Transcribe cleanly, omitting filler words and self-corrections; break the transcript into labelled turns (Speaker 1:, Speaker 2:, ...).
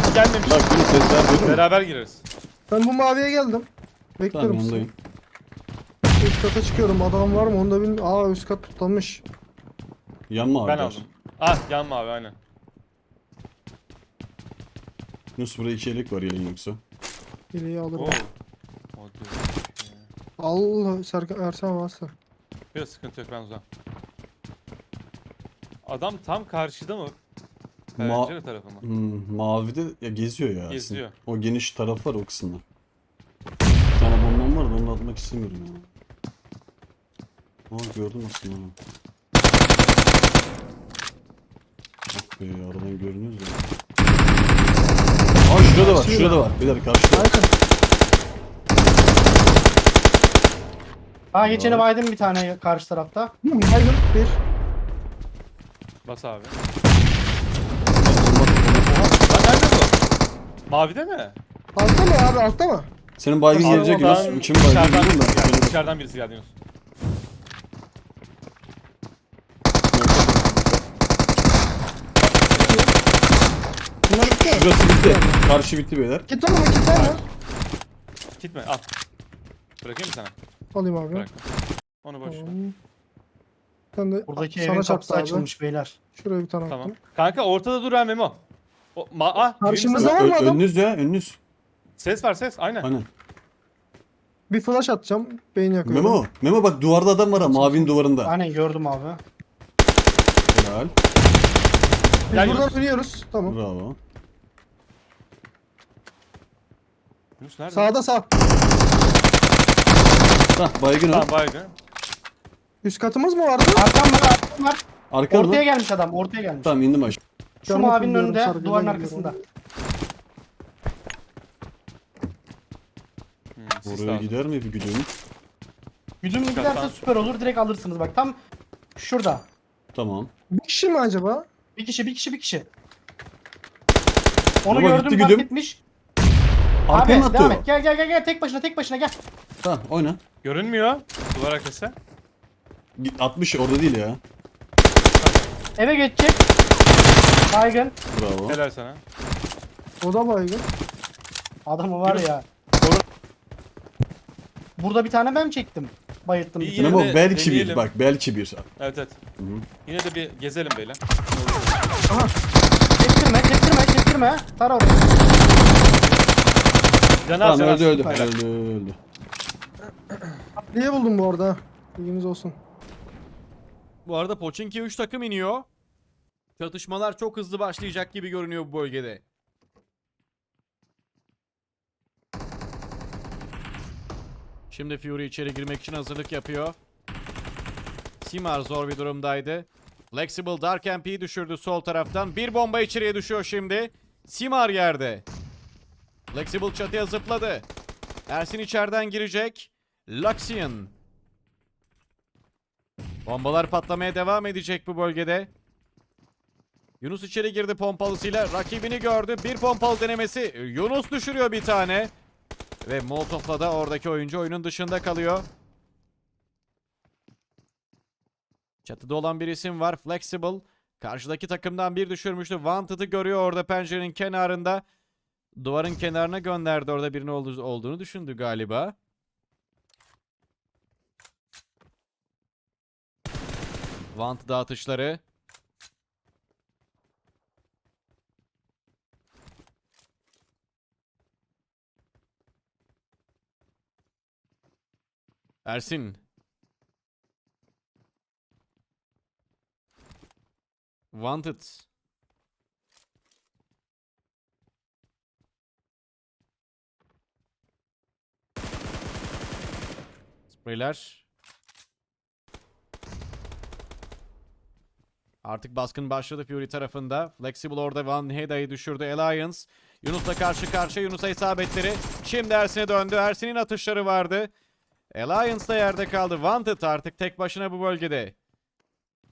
Speaker 1: gelmemiş.
Speaker 2: Bak bunu sesler duydun mu?
Speaker 1: Beraber gireriz.
Speaker 3: Ben bu maviye geldim. Bekliyorum
Speaker 2: Tamam
Speaker 3: sizi.
Speaker 2: yanındayım.
Speaker 3: Üst kata çıkıyorum. Adam var mı? Onu da bilmiyorum. Aa, üst kat tutulmuş.
Speaker 2: Yanma abi.
Speaker 1: Ben
Speaker 2: der.
Speaker 1: aldım. Ah yanma abi aynen.
Speaker 2: Yunus burada 2 elek var yayın yoksa.
Speaker 3: İleyi alırım.
Speaker 1: Oo. O diyor.
Speaker 3: Allah, Serkan Ersan varsa.
Speaker 1: Biraz sıkıntı yok ben uzağım. Adam tam karşıda mı? Pencere tarafı mı?
Speaker 2: Mavide ya geziyor ya.
Speaker 1: Geziyor.
Speaker 2: Aslında. O geniş taraf var o kısımda. Bir tane bombam var da onu atmak istemiyorum ya. Aa gördüm aslında onu. Ah be aradan görünüyoruz ya. Aa şurada var, şurada var. Beyler karşıda.
Speaker 3: Serkan.
Speaker 4: Aa geçeni baydım bir tane karşı tarafta.
Speaker 3: Baygın. Bir.
Speaker 1: Bas abi. Lan nerede bu? Mavide mi?
Speaker 3: Altta mı abi? Altta mı?
Speaker 2: Senin baygın
Speaker 3: Abi,
Speaker 2: gelecek
Speaker 1: Oradan
Speaker 2: Yunus. Kimin baygın
Speaker 1: dışarıdan
Speaker 2: bilmiyorum
Speaker 1: birisi geldi.
Speaker 2: ben.
Speaker 1: Dışarıdan birisi geldi Yunus.
Speaker 3: Bunlar bitti.
Speaker 2: Şurası bitti. Karşı bitti beyler.
Speaker 3: Git var mı? Git var mı?
Speaker 1: Gitme al. Bırakayım mı sana?
Speaker 3: Alayım abi.
Speaker 1: Bıraktım. Onu boş ver.
Speaker 3: Tamam. Sen de
Speaker 4: Buradaki
Speaker 3: sana
Speaker 4: evin
Speaker 3: çarptı
Speaker 4: kapısı
Speaker 3: abi.
Speaker 4: açılmış beyler.
Speaker 3: Şuraya bir tane
Speaker 1: Tamam.
Speaker 3: attım.
Speaker 1: Kanka ortada dur ha Memo.
Speaker 3: Karşımızda
Speaker 1: Yunus-
Speaker 3: var mı adam?
Speaker 2: Önünüz ya önünüz.
Speaker 1: Ses var ses aynen.
Speaker 2: Aynen.
Speaker 3: Bir flash atacağım. Beyin yakıyorum.
Speaker 2: Memo. Memo bak duvarda adam var ha. Mavinin duvarında.
Speaker 4: Aynen gördüm abi.
Speaker 2: Helal.
Speaker 3: Biz
Speaker 1: Gel
Speaker 3: buradan
Speaker 1: Yunus.
Speaker 3: dönüyoruz. Tamam.
Speaker 2: Bravo.
Speaker 1: Yunus nerede?
Speaker 3: Sağda sağ.
Speaker 2: Hah baygın o.
Speaker 1: Tamam baygın.
Speaker 3: Üst katımız mı vardı?
Speaker 4: Arkam var arkam var.
Speaker 2: Arkan mı?
Speaker 4: Ortaya gelmiş adam ortaya gelmiş.
Speaker 2: Tamam indim aşağı.
Speaker 4: Şu
Speaker 3: Yanlış
Speaker 4: mavinin
Speaker 3: biliyorum,
Speaker 4: önünde
Speaker 3: sargıdan
Speaker 4: duvarın
Speaker 3: geliyorum.
Speaker 4: arkasında.
Speaker 1: Sis
Speaker 2: Oraya
Speaker 1: lazım.
Speaker 2: gider mi bir güdüm?
Speaker 4: Güdümlü
Speaker 1: Şu
Speaker 4: giderse
Speaker 1: kattan.
Speaker 4: süper olur direkt alırsınız bak tam şurada.
Speaker 2: Tamam.
Speaker 3: Bir kişi mi acaba?
Speaker 4: Bir kişi. Onu
Speaker 2: Baba,
Speaker 4: gördüm
Speaker 2: gitti
Speaker 4: fark
Speaker 2: güdüm.
Speaker 4: etmiş.
Speaker 2: Arkanı
Speaker 4: Abi
Speaker 2: attı
Speaker 4: devam
Speaker 2: o.
Speaker 4: et gel tek başına gel.
Speaker 2: Tamam oyna.
Speaker 1: Görünmüyor. Duvar arkası.
Speaker 2: 60 orada değil ya.
Speaker 4: Eve geçecek. Baygın.
Speaker 2: Bravo.
Speaker 1: Helal sana.
Speaker 3: O da baygın.
Speaker 4: Adamı var ya. Burada bir tane ben çektim. Bayılttım.
Speaker 1: İyi,
Speaker 4: bir
Speaker 1: yine
Speaker 4: tane.
Speaker 2: Memo
Speaker 1: de
Speaker 2: belki bir
Speaker 1: deneyelim.
Speaker 2: bak belki bir.
Speaker 1: Evet evet.
Speaker 2: Hı hı.
Speaker 1: Yine de bir gezelim beyler.
Speaker 4: Çektirme. Tara orayı.
Speaker 1: Can
Speaker 2: Tamam
Speaker 1: can
Speaker 2: öldü.
Speaker 1: Helal.
Speaker 2: Öldü.
Speaker 3: Niye buldum bu arada? Bilginiz olsun.
Speaker 5: Bu arada Pochinki 3 takım iniyor. Çatışmalar çok hızlı başlayacak gibi görünüyor bu bölgede. Şimdi Fury içeri girmek için hazırlık yapıyor. Simar zor bir durumdaydı. Flexible Dark MP'yi düşürdü sol taraftan. Bir bomba içeriye düşüyor şimdi. Simar yerde. Flexible çatıya zıpladı. Ersin içeriden girecek. Luxian. Bombalar patlamaya devam edecek bu bölgede. Yunus içeri girdi pompalısıyla. Rakibini gördü. Bir pompalı denemesi. Yunus düşürüyor bir tane. Ve Molotov'la da oradaki oyuncu oyunun dışında kalıyor. Çatıda olan bir isim var. Flexible. Karşıdaki takımdan bir düşürmüştü. Wanted'ı görüyor orada pencerenin kenarında. Duvarın kenarına gönderdi. Orada birinin olduğunu düşündü galiba. Wanted atışları. Ersin. Wanted. Spreyler. Artık baskın başladı Fury tarafında. Flexible orada Van Heda'yı düşürdü. Alliance. Yunus'la karşı karşıya. Yunus'a isabetleri. Şimdi Ersin'e döndü. Ersin'in atışları vardı. Alliance da yerde kaldı. Wanted artık tek başına bu bölgede.